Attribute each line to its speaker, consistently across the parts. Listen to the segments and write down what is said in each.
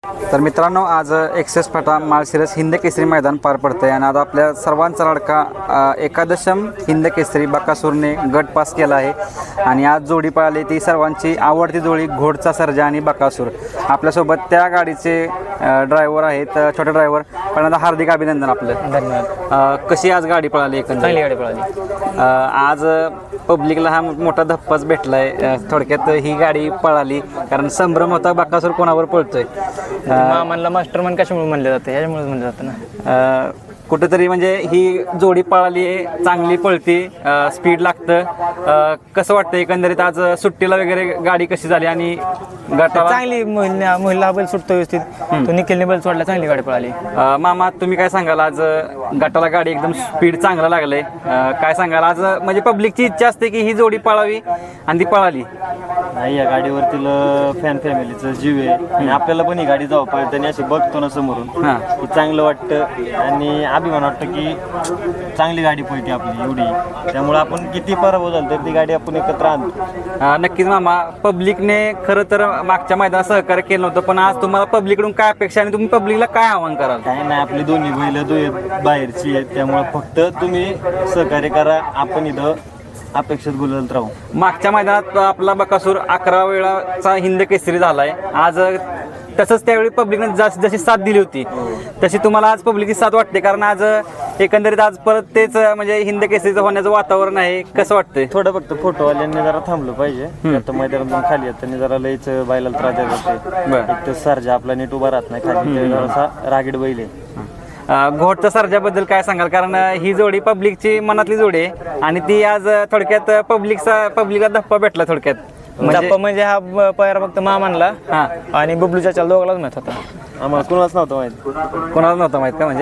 Speaker 1: तर मित्रांनो, आज एक्सेस फाटा माळशिरस हिंद केसरी मैदान पार पडतं आहे आणि आता आपल्या सर्वांचा लाडका एकादशम हिंद केसरी बकासूरने गट पास केला आहे आणि आज जोडी पळाली ती सर्वांची आवडती जोडी घोडचा सर्जा आणि बकासूर. आपल्यासोबत त्या गाडीचे ड्रायव्हर आहेत, छोटे ड्रायव्हर. पण हार्दिक अभिनंदन आपलं.
Speaker 2: धन्यवाद.
Speaker 1: कशी आज गाडी पळाली?
Speaker 2: चांगली गाडी पळाली.
Speaker 1: आज पब्लिकला हा मोठा धप्पाच भेटला आहे. थोडक्यात ही गाडी पळाली कारण संभ्रम होता बकासूर कोणावर पळतोय.
Speaker 2: मामांना मास्टर मन कशामुळे म्हणलं जातं, ह्याच्यामुळेच म्हणलं जातं ना.
Speaker 1: कुठेतरी म्हणजे ही जोडी पळाली आहे, चांगली पळती, स्पीड लागतं. कसं वाटतं एकंदरीत आज सुट्टीला वगैरे गाडी कशी झाली आणि गटाला?
Speaker 2: चांगली महिला बैल सुटतो व्यवस्थित. तो निखिलने बैल सोडला, चांगली गाडी पळाली.
Speaker 1: मामा, तुम्ही काय सांगाल? आज गटाला गाडी एकदम स्पीड चांगला लागलंय, काय सांगाल? आज म्हणजे पब्लिकची इच्छा असते की ही जोडी पळावी आणि ती पळाली.
Speaker 3: नाही, या गाडीवरती फॅन फॅमिलीचं जीव आहे आणि आपल्याला पण ही गाडी जाऊ पाहिजे आणि अशी बघतो ना समोरून, हे चांगलं वाटतं आणि अभिमान वाटतं की चांगली गाडी पळते आपली एवढी. त्यामुळे आपण किती पराभव झाला तर ती गाडी आपण एकत्र आणतो.
Speaker 1: नक्कीच मामा, पब्लिकने खरं तर मागच्या मैदानात सहकार्य केलं नव्हतं, पण आज तुम्हाला पब्लिककडून काय अपेक्षा आणि तुम्ही पब्लिकला काय आव्हान कराल?
Speaker 3: काय नाही, आपली दोन्ही बैल बाहेरची आहेत, त्यामुळे फक्त तुम्ही सहकार्य करा. आपण इथं अपेक्षित बोलत राहू.
Speaker 1: मागच्या मैदानात आपला बकासूर 11 वेळाचा हिंद केसरी झालाय. आज तसंच त्यावेळी पब्लिकने जशी साथ दिली होती तशी तुम्हाला आज पब्लिकची साथ वाटते? कारण आज एकंदरीत आज परत तेच म्हणजे हिंद केसरीचं होण्याचं वातावरण आहे. कसं वाटतंय?
Speaker 3: थोडं फक्त फोटोवाल्यांनी जरा थांबलं पाहिजे. आता मैदानातून खाली येताना जरा लईच बैलाला त्रास देत होते. एक तर सर्जा आपला नीट उभा राहत नाही खाली, जरासा रागीड बैल आहे.
Speaker 1: घोडचा सर्जाबद्दल काय सांगाल? कारण ही जोडी पब्लिकची मनातली जोडी आहे आणि ती आज थोडक्यात पब्लिकला धप्पा भेटला थोडक्यात.
Speaker 2: म्हणजे हा पायरा फक्त मामांना आणि बबलू चाचा दोघांनाच माहित होता.
Speaker 3: आम्हाला कोणालाच नव्हतं माहित.
Speaker 1: कोणाला नव्हतं माहित का? म्हणजे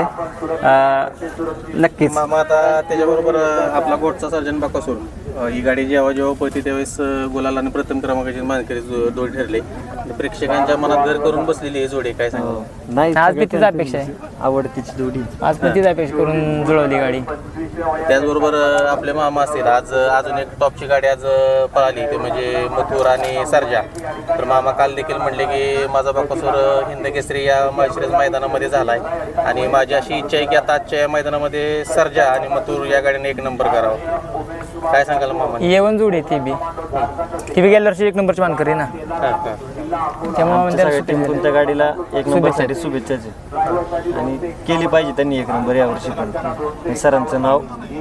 Speaker 1: नक्कीच
Speaker 4: मामा, आता त्याच्याबरोबर आपला घोडचा सर्जन बकासूर ही गाडी जेव्हा पळते त्यावेळेस गुलाल आणि प्रथम क्रमांकाची मानकरी जोडी ठरली. प्रेक्षकांच्या मनात घर करून बसलेली ही जोडी, काय सांगा?
Speaker 3: नाही,
Speaker 2: आज तीच अपेक्षा आहे,
Speaker 3: आवडतीची जोडी.
Speaker 2: आज पण तीच अपेक्षा करून जुळवली गाडी.
Speaker 4: त्याचबरोबर आपले मामा असतील, आज अजून एक टॉपची गाडी आज पळाली ते म्हणजे मथुर आणि सर्जा. तर मामा काल देखील म्हणले की माझा बकासूर हिंद केसरी या माळशिरस मैदानामध्ये झालाय आणि माझी अशी इच्छा आहे की आता आजच्या या मैदानामध्ये सर्जा आणि मथुर या गाडीने 1 नंबर करावा. काय सांगाल मामा?
Speaker 2: येवन जोडी ती बी गेल्या वर्षी 1 नंबरची मानकरी ना, त्यामुळे
Speaker 3: तुमच्या गाडीला 1 नंबरसाठी शुभेच्छाच आहे आणि केली पाहिजे त्यांनी 1 नंबर यावर्षी पण. सरांचं नाव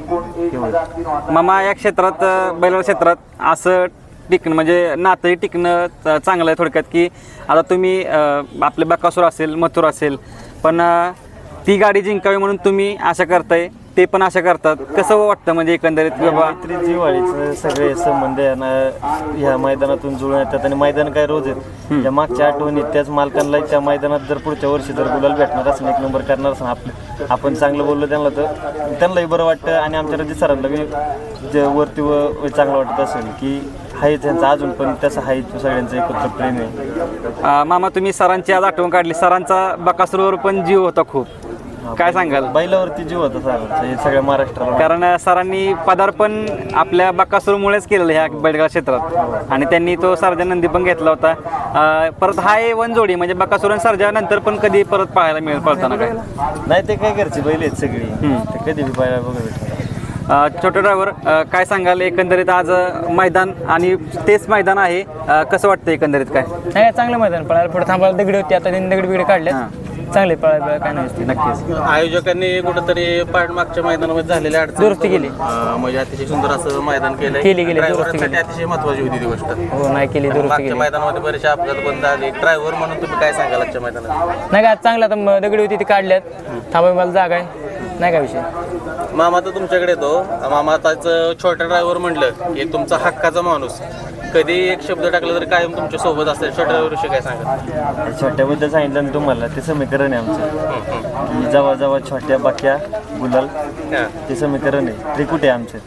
Speaker 1: मामा, या क्षेत्रात बैलगाडा क्षेत्रात असं टिकणं म्हणजे नातंही टिकणं चांगलं आहे थोडक्यात. की आता तुम्ही आपले बकासूर असेल, मथुर असेल, पण ती गाडी जिंकावी म्हणून तुम्ही आशा करताय, ते पण आशा करतात. कसं वाटतं म्हणजे एकंदरीत?
Speaker 3: मैत्री जिव्हाळीचं सगळे संबंध ह्या मैदानातून जुळून येतात आणि मैदान काय रोज आहेत. त्या मागच्या आठवणीत त्याच मालकांना त्या मैदानात जर पुढच्या वर्षी जर गुलाल भेटणार असेल, 1 नंबर करणार असेल, आपण चांगलं बोललो त्यांना तर त्यांनाही बरं वाटतं आणि आमच्या रजित सरांना बी वरती चांगलं वाटत असेल की हाय त्यांचं अजून पण तसं हाय सगळ्यांचं एकत्र प्रेम आहे.
Speaker 1: मामा, तुम्ही सरांची आज आठवण काढली. सरांचा बकासूरवर पण जीव होता खूप, काय सांगाल?
Speaker 3: बैलावरती जीव होता सरांचा सगळ्या महाराष्ट्राला.
Speaker 1: कारण सरांनी पदार्पण आपल्या बकासूरमुळेच केलेलं ह्या बैलगाडा क्षेत्रात आणि त्यांनी तो सर्जा नंदी पण घेतला होता. परत हा A1 जोडी म्हणजे बकासूर आणि सर्जा नंतर पण कधी परत पाहायला मिळेल पळताना? काय
Speaker 3: नाही, ते काय घरची बैल आहेत सगळी, ते कधी बी पाहायला बघा.
Speaker 1: छोटे ड्रायव्हर, काय सांगाल एकंदरीत? आज मैदान आणि तेच मैदान आहे, कसं वाटतं एकंदरीत? काय
Speaker 2: नाही, चांगलं मैदान पळायला. पुढे थांबायला दगडी होती, आता त्यांनी दगडी बिगडी चांगले पळायला काय नाही.
Speaker 1: नक्कीच
Speaker 4: आयोजकांनी कुठंतरी मागच्या मैदानामध्ये झालेल्या अडचणी
Speaker 2: दुरुस्ती केली,
Speaker 4: म्हणजे अतिशय सुंदर असं मैदान केलं.
Speaker 2: दुरुस्ती
Speaker 4: अतिशय महत्वाची होती ती गोष्ट.
Speaker 2: हो, नाही केली दुरुस्ती.
Speaker 4: मागच्या मैदानामध्ये बरेचसे अपघात बंद झाले. ड्रायव्हर म्हणून तुम्ही काय सांगाल आजच्या मैदानात?
Speaker 2: नाही का, चांगलं आता दगडी होती ती काढल्यात, थांबाय मला जागा आहे, नाही काय विषय.
Speaker 4: मामा, तर तुमच्याकडे येतो. मामा, आताच छोटा ड्रायव्हर म्हणलं की तुमचा हक्काचा माणूस, कधी एक शब्द टाकला तर कायम तुमच्या सोबत असते. छोट्या ड्रायव्हरविषयी काय सांगा?
Speaker 3: छोट्याबद्दल सांगितलं ना तुम्हाला, ते समीकरण आहे आमचं की जवळ जवळ छोट्या बाक्या गुलाल, ते समीकरण आहे, त्रिकुटे आमचे.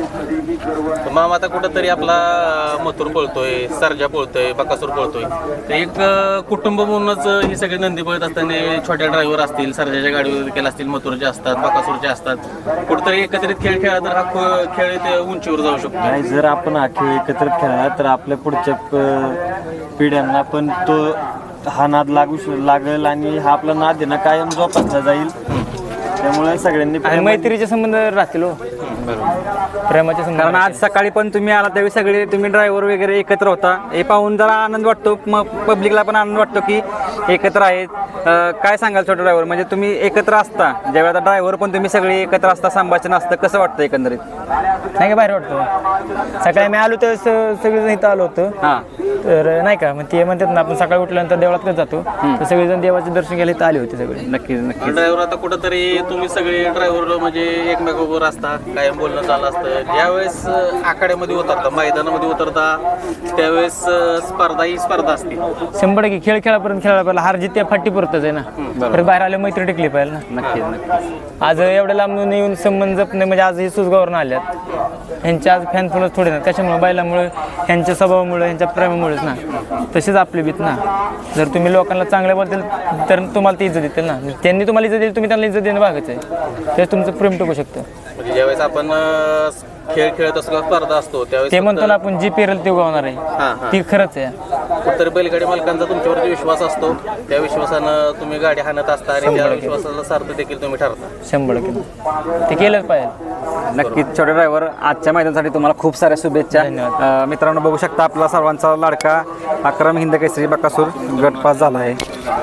Speaker 4: मामा, आता कुठंतरी आपला मथुर पळतोय, सर्जा पळतोय, बकासूर पळतोय, तर एक कुटुंब म्हणूनच ही सगळी नंदी पळत असताना छोट्या ड्रायव्हर असतील, सर्जाच्या गाडीवर देखील असतील, मथुरचे असतात, बकासूरचे असतात, कुठंतरी एकत्रित खेळ खेळला तर हा खेळ ते उंचीवर जाऊ शकतो.
Speaker 3: नाही, जर आपण हा खेळ एकत्रित खेळला तर आपल्या पुढच्या पिढ्यांना पण तो हा नाद लागेल आणि हा आपला नाद आहे ना कायम जोपासला जाईल. त्यामुळे सगळ्यांनी
Speaker 2: आणि मैत्रीचे संबंध राहतील हो. प्रेमाचे संबंध
Speaker 1: कारण आज सकाळी पण तुम्ही आला त्यावेळी सगळे तुम्ही ड्रायव्हर वगैरे एकत्र होता. हे पाहून जरा आनंद वाटतो, मग पब्लिकला पण आनंद वाटतो की एकत्र आहेत. काय सांगाल छोटे ड्रायव्हर, म्हणजे तुम्ही एकत्र असता ज्यावेळी आता ड्रायव्हर पण तुम्ही सगळे एकत्र असता, संभाषण असतं, कसं वाटतं एकंदरीत?
Speaker 2: नाही का बाहेर वाटतं. सकाळी मी आलो तर सगळेजण इथं आलो होतो.
Speaker 1: हां
Speaker 2: तर नाही का मग ते म्हणतात ना आपण सकाळी उठल्यानंतर देवळात जातो, तर सगळेजण देवाचे दर्शन घ्यायला इथं आले होते सगळे.
Speaker 1: नक्कीच नक्कीच.
Speaker 4: ड्रायव्हर आता कुठंतरी तुम्ही सगळे ड्रायव्हर म्हणजे एकमेकांवर असता, कायम बोलणं चालू असतं. ज्यावेळेस आखाड्यामध्ये उतरता, मैदानामध्ये उतरता, त्यावेळेस स्पर्धा ही स्पर्धा असते.
Speaker 2: 100% खेळ खेळापर्यंत खेळायला पाहिजे. हार जीत त्या फाटी पुरतच आहे ना. परत बाहेर आले मैत्री टिकली पाहिजे ना.
Speaker 1: नक्कीच नक्कीच.
Speaker 2: आज एवढ्या लांबून येऊन संबंध जपणे म्हणजे आज हे सुसगावरून आल्यात. ह्यांच्या आज फॅन फॉलोअर्स थोडे ना, कशामुळे बैलामुळे, ह्यांच्या स्वभावामुळे, ह्यांच्या प्रेमामुळेच ना. तसेच आपली बीत ना. जर तुम्ही लोकांना चांगलं बोलतील तर तुम्हाला ती इज्जत देतील ना. त्यांनी तुम्हाला इज्जत दिली, तुम्ही त्यांना इज्जत देणं भागच आहे. तेच तुमचं प्रेम टिकू शकतं.
Speaker 4: म्हणजे ज्यावेळेस आपण खेळ खेळत असतो, स्पर्धा असतो, त्यावेळेस
Speaker 2: ते म्हणतो ना आपण जी पेरल ते उगवणार आहे, ती खरंच आहे.
Speaker 4: कुठतरी बैलगाडी मालकांचा तुमच्यावरती विश्वास असतो. त्या विश्वासानं तुम्ही गाडी हाणत असता आणि त्या विश्वासाला सार्थ देखील तुम्ही ठरता.
Speaker 2: 100% ते केलंच पाहिजे.
Speaker 1: नक्कीच छोटे ड्रायव्हर, आजच्या मैदानासाठी तुम्हाला खूप साऱ्या शुभेच्छा. मित्रांनो बघू शकता आपला सर्वांचा लाडका अक्रम हिंद केसरी बकासूर गटपास झाला आहे.